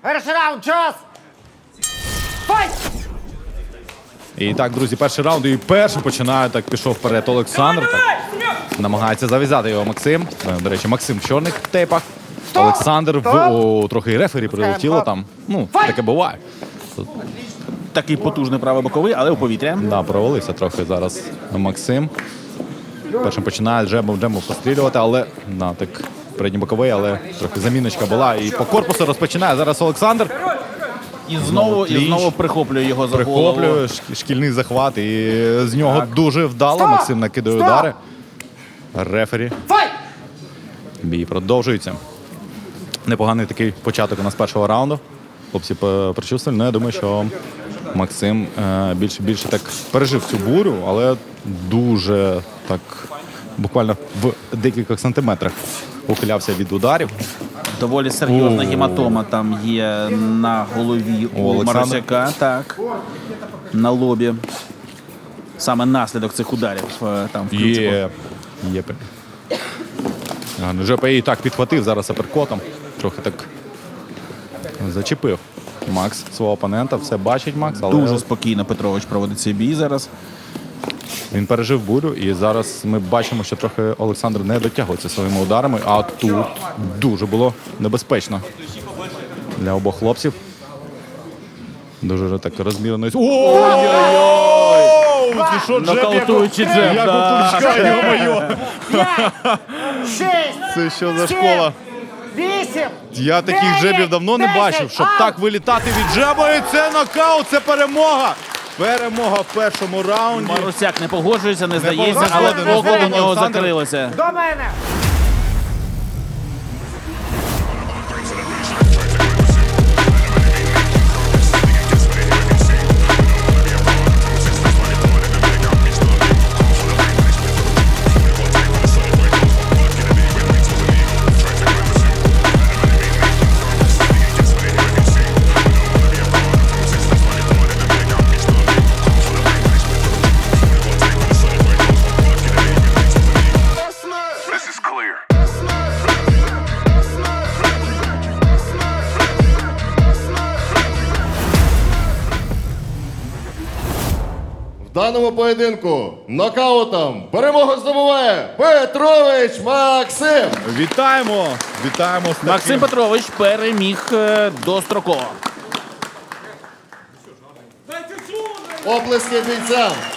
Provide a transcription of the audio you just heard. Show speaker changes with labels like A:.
A: Перший раунд, час! Файт!
B: І так, друзі, перший раунд. І першим починає, так пішов вперед Олександр. Так, намагається зав'язати його Максим. До речі, Максим в чорних тейпах. Олександр трохи і рефері прилетіло там. Ну, таке буває.
C: Такий потужний правий боковий, але у повітря.
B: Да, провалився трохи зараз Максим. Першим починає джебом пострілювати, але так передній боковий, але трохи заміночка була. І по корпусу розпочинає зараз Олександр.
C: І знову прихоплює його за голову.
B: Прихоплює шкільний захват. І з нього дуже вдало Максим накидає удари. Рефері. Бій продовжується. Непоганий такий початок у нас першого раунду. Хлопці причувствували. Ну, я думаю, що Максим більше так пережив цю бурю, але дуже так буквально в декількох сантиметрах ухилявся від ударів.
C: Доволі серйозна гематома там є на голові у Марусяка. Так, на лобі. Саме наслідок цих ударів там в ключику.
B: Є. ЖП і так підхватив зараз аперкотом. Трохи так зачепив Макс свого опонента. Все бачить Макс. Але
C: Дуже спокійно Петрович проводить цей бій зараз.
B: він пережив бурю, і зараз ми бачимо, що трохи Олександр не дотягується своїми ударами, а тут дуже було небезпечно для обох хлопців. Дуже так розмірено. Ой-ой-ой!
C: Нокаутуючий джеб.
B: Як у Турчка, йо-моє!
A: 6,
B: Це що за школа?
A: 8,
B: Я таких джебів давно не бачив, щоб так вилітати від джеба. І це нокаут, це перемога. Перемога в першому раунді.
C: Марусяк не погоджується, не здається, але
B: погоджується,
C: око у нього
B: Олександр.
C: закрилося.
A: до мене!
D: This is clear.
E: В даному поєдинку нокаутом перемогу здобуває Петрович Максим.
B: Вітаємо! Вітаємо з таким.
C: Максим Петрович переміг достроково.
E: Оплески бійцям.